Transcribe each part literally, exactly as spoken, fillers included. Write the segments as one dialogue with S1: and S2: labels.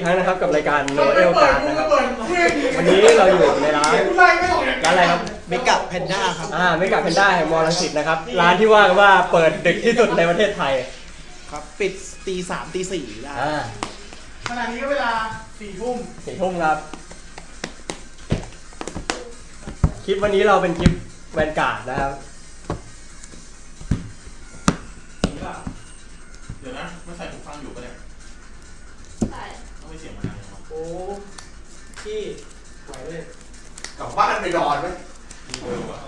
S1: ครั้งนะครับกับรายการโนเอลการ์ดนะครับวันนี้เราอยู่ในร้านร้านอะไรครับ
S2: เมกะแพนด้าครับ
S1: อ่าเมกะแพนด้าแห่งมอลังสิตนะครับร้านที่ว่ากันว่าเปิดดึกที่สุดในประเทศไทย
S2: ครับปิดตีสามตีสี่ได้
S1: อ่า
S3: ขณะนี้ก็เวลาสี่ทุ่ม
S1: สี่ทุ่มครับคลิปวันนี้เราเป็นคลิปแวนการ์ดนะครับ
S4: เดี๋ยวนะไม่ใส่หูฟังอยู่ปะเนี่ย
S5: ใช่
S4: ต้องไม่เสียงมันดังเลยวะ
S3: โอ้พี่ไหวเลย
S6: กลับบ้านไปนอนไหม
S4: เออว่ะ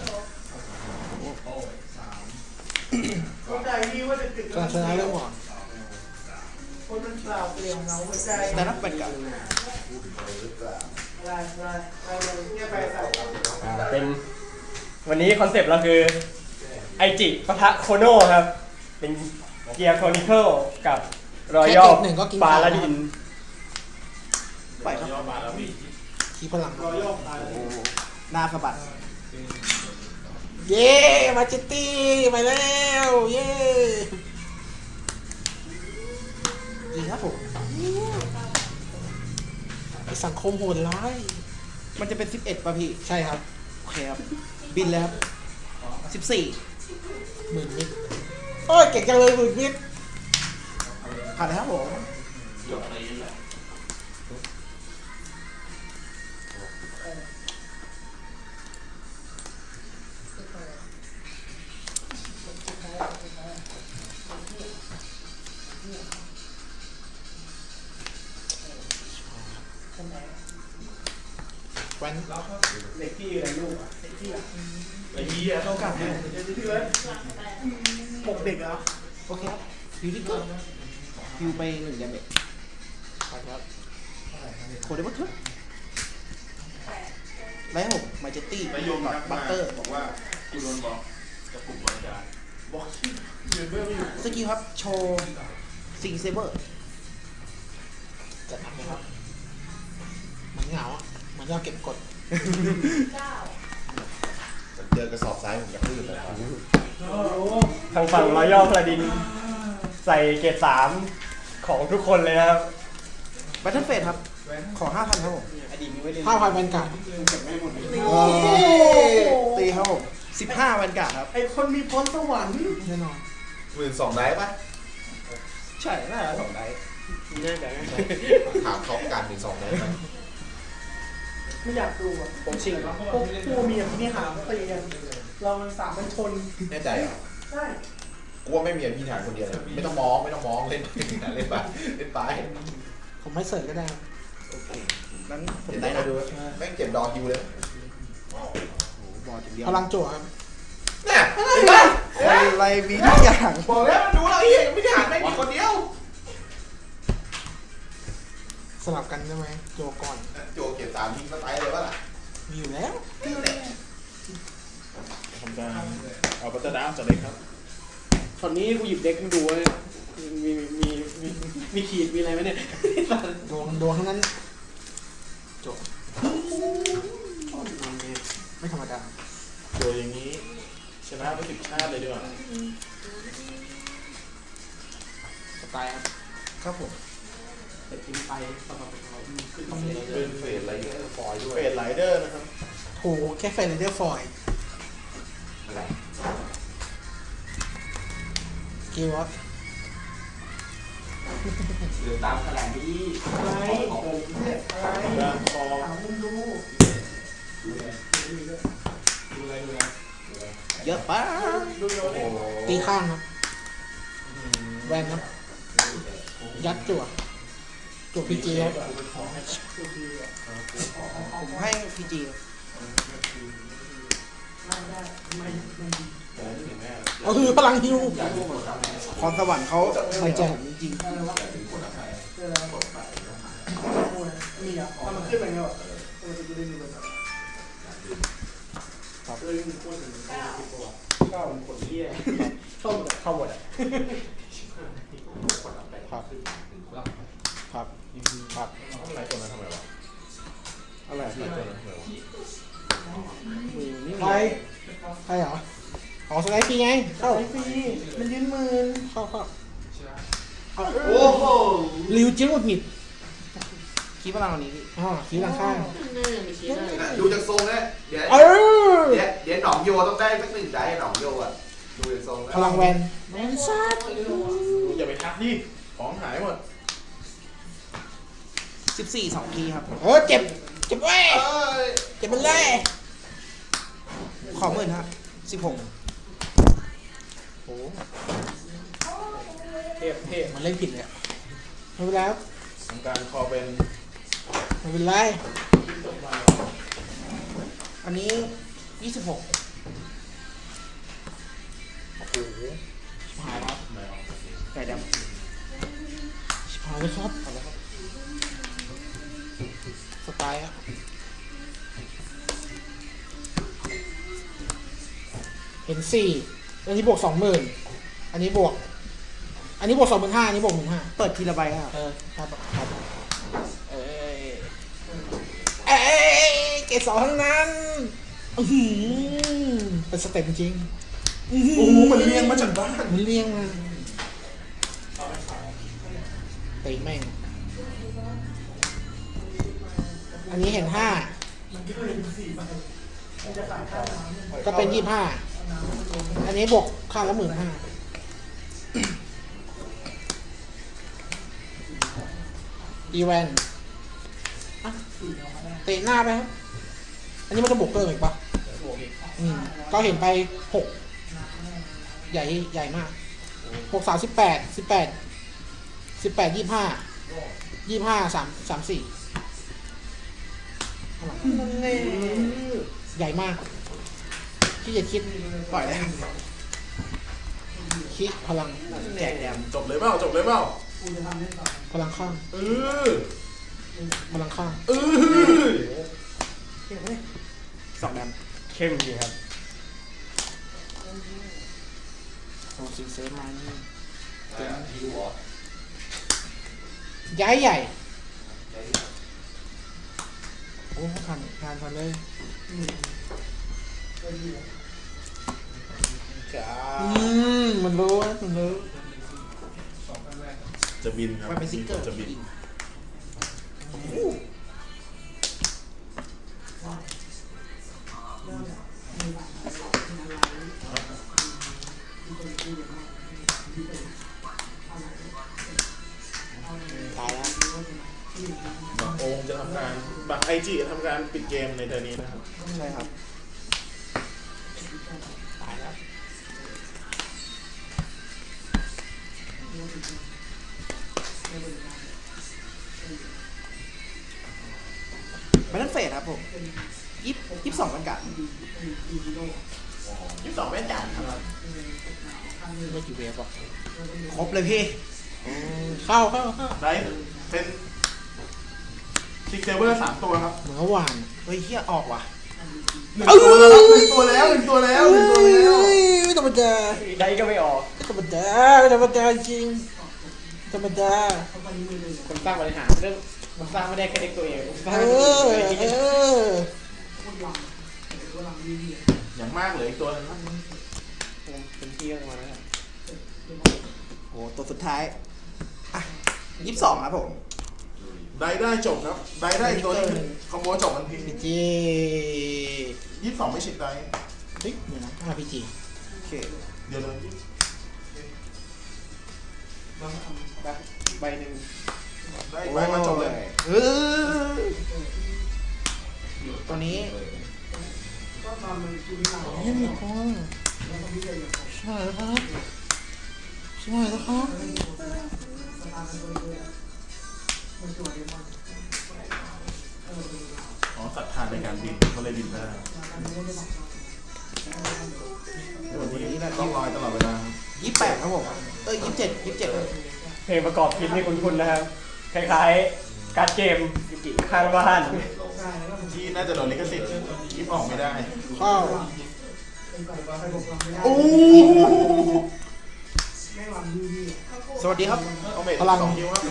S3: เข้าใจพี่ว่าจะติด
S2: ก็ชนะเรื่องหมอน
S3: คนมันเปล่าเปลี่ยนเงาหัวใจ
S2: แต่นักเป็นกับ
S3: ได้ได้ได้เลยเนี่ยไปใส่
S1: อ่าเป็นวันนี้คอนเซปต์เราคือไอจิปะทะโคโน่ครับเป็นเกียร์โคนิเคิลกับรอยัลปาลาดิน
S2: ไปครับ
S4: ยอดมาแล้วพี่
S2: คีพลัง
S3: รอยย่อตาย
S2: โอ้หน้าสะบัดเย้มาจิตตี้ไปแล้วเย้ดีครับผมไอสังคมโหดร้ายมันจะเป็นสิบเอ็ดป่ะพี่ใช่ครับโอเคครับบินแล้วสิบสี่หมื่นมิตรโอ้ยเก่งจังเลยหมื่นมิตรผ่านแล้วครับผม
S4: จบตีนแหละ
S2: แวน
S3: เด็กพี่อะไรลูกอ่ะเด็กพี่อ่ะ
S4: ไอ้เหี้ย
S3: เรากลับเนี่ยเดี๋ยวพี่เว้ยหกเด็กเหรอ
S2: โอเคครับฮิวที่เกิดฮิวไปหนึ่งยาเมจไปครับโคเดบัตเตอร์แล้วผมมาเจตตี้
S4: นายโยม
S2: กั
S4: ทั
S2: บ
S4: ก
S2: บั
S4: มา
S2: ตเตอร์
S4: บอกว่ากูโดนบอกกับกลุ่มบริการ
S3: บอกที่เดือนเบื้องอยู่
S2: สกิลครับ โชว์ซิงเซเบอร์จะทำไหมครับ มันเหงาอ่ะ มันจะเก็บกด
S5: เก้า
S6: เจอกระสอบทรายผมจะขึ้นเลยครับ
S3: โอ้โห
S1: ทางฝั่งรอยัลปาลาดินใส่เกรดสามของทุกคนเลยนะครับ
S2: แบทเทิลเฟสครับ ขอห้าพันครับผม
S3: อดีตมีไว้เล่น
S2: ห้าพันแวนการ์ด
S3: เก็บไม่หมดเลย
S2: ตีครับผมสิบห้าแวนการ์ดครับ
S3: ไอคนมีพรสวรรค์
S2: แน่นอน
S6: หมื่นสองได้ปะ
S2: ใช่น่าจะสองได
S3: แน่ใจ
S6: ถามเขาการหนึ่งสองได้ไหม
S3: ไม่อยากดูอ่ะผมชิงแล้วพวกผู้มีอภินิหารตีกันเรามันสามมันชน
S6: แน่ใจเหรอ
S3: ใช่
S6: กูว่าไม่มีอภิธานคนเดียวเลยไม่ต้องมองไม่ต้องมองเล่นเล่นไปเล่นไป
S2: ผมไม่เสิร์ฟก็ได้ครับโอเคนั้นผม
S6: เห็น
S2: ได้
S6: ได้
S2: นะ
S6: นะดูแม่งเก็บดอคิวเลย
S2: บอลอย่างเดียวพลังจั่วครับ
S6: เนี่ยเห็นปะ
S2: อะไรมีทุกอย่าง
S6: บอกแล้วมันดูแล้วไอ้เหี้ยไม่ได้หานไม่มีคนเดียว
S2: สลับกันได้ไหมโจก่อน
S6: โจเก็บสามยิงสไตล์เลยวะล่ะ
S2: มีอยู่แล้ว
S4: ทำการเอาบัตเตอร์ดาวจากเล็กครับ
S3: ตอนนี้กูหยิบเด็กมาดูเลยมีมีมีมีขีดมีอะไรไหมเนี่ย
S2: ดวงดวงทั้งนั้นโจไม่ธรรมดา
S4: โดยอย่างนี้ชนะไปสิบชาติเลยดีกว่า
S2: สไตล์ครับครับผม
S3: แต่กินไปสำหรับเราคือ
S2: ต้อง
S6: เป็นเฟสอะไรเงี้ยฟอยด้วย
S4: เฟดไลเดอร์นะครับ
S2: โหแค่เฟรนเดอร์ฟอยล์
S6: อะไร
S2: กิวครับ
S6: เรือตามขนาดนี้
S3: อะไรอะไร
S4: ด้านคอ
S3: ถามมึงดู
S2: เยอะไป
S3: ดูโยเล่
S6: โอ้โห
S2: ตีข้างครับแวนครับยัดจั่วจั่วพีจีครับผมให้พีจีก็คือพลังฮิวพรสวรรค์เขาไม่แจ่มจริง
S3: มีอ่ะถ้ามันขึ้นอะไรเงี้ยมันจะได้มีแบบเลยมีคนหนึ่งเก้าคนเที่ยเข้าหมด
S1: เข้าหมดอ่ะ
S2: ครับครับครับ
S6: อะไรตัวนั้นทำไมวะ
S2: อะไร
S6: อะไรตัวนั้นทำไมวะ
S2: มือนี่ใครใครเหรออ๋อสไลด์ฟรีไงเข้า
S3: ไอ้ฟรีมันยืนหมื่น
S2: เข้าเข้า
S6: โอ้โห
S2: ริวจิ้งหงุดหงิดคีพลังวันนี้อ๋อคีพลังข้าง
S6: ดูจากทรงแล้วเดี๋ยว
S2: เออ
S6: เดี๋ยวเดี๋ยวหนองโยต้องได้สักหนึ่งได้หนองโยอ่ะดูจากทรงแล้ว
S2: พลังแวนแวนซัด
S4: อย่าไปทักดิของหายหมด
S2: สิบสี่สองคีครับเออเจ็บเจ็บเว้ย
S6: เอ้ย
S2: เจ็บมันเลยขอหมื่นครับสิบหก
S1: โอ้เทพเทพ
S2: มันเล่นผิดเลยอะไม่เป็นไรครับ
S4: ทำการคอเป็น
S2: ไม่เป็นไรอันนี้ยี่สิบหกโอ้โหชิบหายแล้วไก่ดำชิบหายเลยครับเอาละครับสไตล์อะเห็นสี่อันนี้บวกสองหมื่นอันนี้บวก อันนี้บวกสองหมื่นห้าอันนี้บวกหมื่นห้าเปิดทีละใบครับเออครับครับเอ้ยเอ้ยเกรดสองทั้งนั้นอื้อหือเป็นสเต็ปจริงอื้อหื
S4: โอ้โหมันเลี้ยงมาจากบ้าน
S2: มันเลี้ยงมาตีแม่ง อันนี้เห็นห้าก็เป็นยี่ห้าอันนี้บวกค่าละหมื่นห้าอีแวนอ่ะเตะหน้าไปครับ อันนี้มันจะบวกเกินอีกปะอืมก็เห็นไปหกใหญ่ใหญ่มากหกสามสิบแปดสิบแปดสิบแปดยี่ห้ายี่ห้าสามสามสี่ใหญ่มากที่จะคิดปล่อยเลยคิดพลังแจกแดม
S4: จบเลยเปล่าจบเลยเปล่า
S2: พลังข้าง
S4: เออ
S2: พลังข้าง
S4: เออ
S2: สองแดม
S1: เข้มจริงครับ
S2: โอ้สิงเซฟมานี่ย้ายใหญ่โอ้ผ่านผ่านผ่านเลย
S4: จ้า
S2: อืมมันรู้นะมันรู้
S4: จะบินครับ
S2: มันเป็นซิกเกอร์
S4: จะบิน
S2: ตายแล้ว
S4: บักโอมจะทำการบักไอจีจะทำการปิดเกมในเทอร์นี้นะครับ
S2: ใช่ครับตายแล้วไม่ต้องเฟดครับผมยี่ยี่สิบสองกันกัด
S4: ยี่สิบสองแม่จัดครับ
S2: ไม่กี่เวฟอ่ะครบเลยพี่เข้าเข้าเข้า
S4: ได้เป็นคิกเซเวอร์สามตัวครับ
S2: เหมือนหวานเฮ้ยเฮียออกว่ะ
S4: หนึ่งตัวแล้วหนึ่งตัวแล้วหนึ่งตัวแล้วหนึ่งตัวแล้ว
S2: ไม่ธรรมดา
S1: ได้ก็ไม่ออก
S2: ไม่ธรรมดาไม่ธรรมดาจริงธรรมดา
S1: คนสร้างบริหารเรื่องมันสร้างไม่ได้แค่เด็กตัวเองสร้าง
S2: เออเออ
S4: อย่างมากเหลืออีกตัวนึงครับ
S1: เป็นที่ออกมาแล้ว
S2: โอ้ตัวสุดท้ายอ่ะยี่สิบสองครับผม
S4: ได้ได้จบครับได้ได้อีกตัวนึงคอมโบจบทันที
S2: พีจี
S4: ยี่สิบสองไม่ชิดได้
S2: เฮ้ยเดี๋ยวนะห้าพีจีโอเค
S4: เดี๋ยวเลย
S1: ใบหนึ่ง
S4: ได้ไปมาจบเลย
S2: เออตัวนี้ยังมีคนใช่แล้วครับใช่แล้วครับ
S4: อ๋อศรัทธาในการบินเขาเลยบินได้วันนี้ต้องลอยตลอดเวลา
S2: ยี่สิบแปดครับผมเออยี่สิบเจ็ดยี่สิบเจ็ด
S1: เพลงประกอบคลิปนี่คุ้นๆนะครับ คล้ายๆการ์ดเกมข้างบ้าน
S4: ที่น่าจะโดนลิขสิทธิ์ยิบออกไม่ได้
S2: เข้า
S4: โอ้
S2: สวัสดีครับ
S4: เอาเมท
S2: พลัง
S4: สองคิวครับ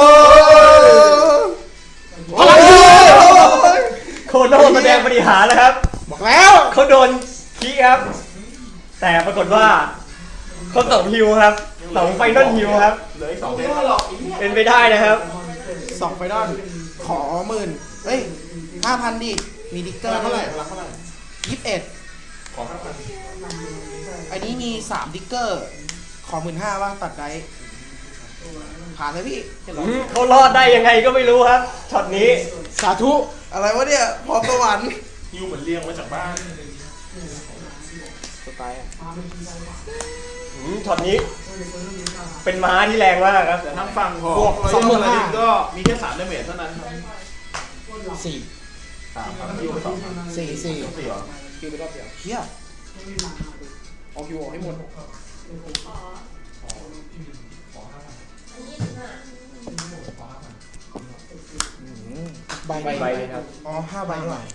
S2: พลัง
S1: โคโน่แสดงบริหารแล้วครับ
S2: บอกแล้ว
S1: เขาโดนคีครับ แต่ปรากฏว่าเขาสองฮิวครับสองไฟนอลฮิวครับ
S4: เหลืออีกสองเทป
S1: เป็นไปได้นะครับ
S2: สองไฟนอลขอหมื่นเอ้ยห้าพันดิ มีดิกเก
S4: พ
S2: อ
S4: ลั
S2: ร์
S4: งเท่าไหร่พลังเท่าไหร่
S2: ยี่สิบเอ็ด
S4: ขอห้าพัน
S2: อันนี้มีสามดิกเกอร์ ขอหมื่นห้าว่าตัดได้ผ่านเลยพี่
S1: อืมเขารอดได้ยังไงก็ไม่รู้ครับช็อตนี้
S2: สาธุ อะไรวะเนี่ย พอสวรรค์
S4: ฮิวเหมือนเลี้ยงมาจากบ้าน
S2: สไตล์อะ
S1: อืมช็อตนี้ เป็นม้าที่แรงมากครับ
S4: แต่ทางฝั่งของรอยย่อพาราดินก็มีแค่สามดาเมจเท่านั้นครับ
S2: สี่
S6: สามครับฮิวไปสองครับ
S2: สี่สี่
S6: สี่เหรอ
S2: คิวไปรอบเดียวเฮียเอาคิวออกให้หมด
S5: ขออันนี้สิบห้า
S2: ใบ
S1: ใบใบเลยครับ
S2: อ๋อห้าใบหน่อย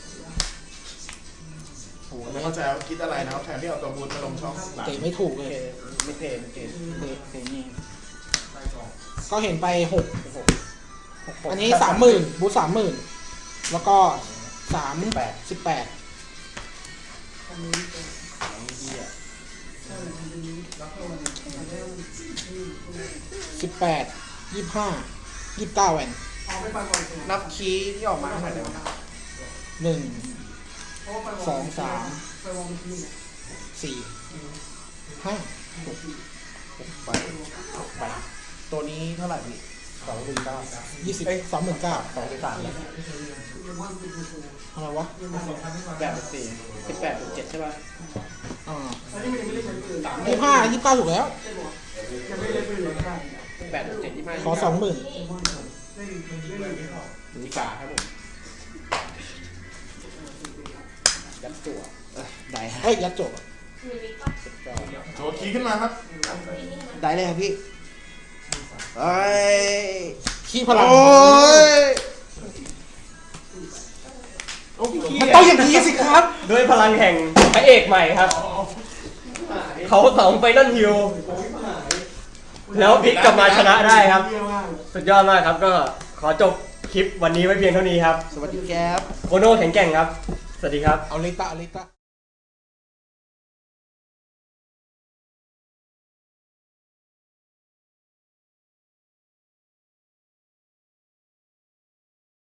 S4: โอ้โหไม่เข้าใจว่าคิดอะไรนะครับแทนที่เอาตัวบูนมาลงช่องหลัง
S2: เตะไม่ถูกเลย
S1: ไม่เทไม่เท
S2: เตะเตะนี่ก็เห็นไปหกอันนี้สามหมื่นบูสามหมื่นแล้วก็สามแปดสิบแปดสิบแปดยี่สิบห้ายี่สิบเก้าแวนนับคีย์ที่ออกมาเท่าไหร่ได้ไหมหนึ่งสองสามสี่ห้าหกหกใบหกใบตัวนี้เท่าไหร่พี่
S1: สองหนึ่งเก้า
S2: ยี่สิบสองหมื่นเก้า
S1: สองเป็นสามแล้ว
S2: อะไรวะ
S1: แปดเป็นสี่สิบแปดเป็นเจ็ดใช่ป่ะ
S2: อ่ายี่สิบห้ายี่สิบเก้าถูกแล้ว
S1: แปดเป็นเจ็ดยี่ห้า
S2: ขอสองหมื่น
S1: มีกาครับผมยัดตัว
S2: ได้เฮ้ยยัดจบอะ
S5: มีวิกปะ
S4: โจทย์คีย์ขึ้นมาครับ
S2: ได้เลยครับพี่เอ้ย ขี้พลัง
S4: โอ้ย
S2: มันต้องอย่างนี้สิครับ
S1: ด้วยพลังแห่งพระเอกใหม่ครับ เขาสองไฟนอลฮิลแล้วพลิกกลับมาชนะได้ครับ สุดยอดมากครับก็ขอจบคลิปวันนี้ไว้เพียงเท่านี้ครับ
S2: สวัสดีครับ
S1: โคโน่แข็งแกร่งครับ สวัสดีครับ
S2: เอาเลตะเอาเลตะ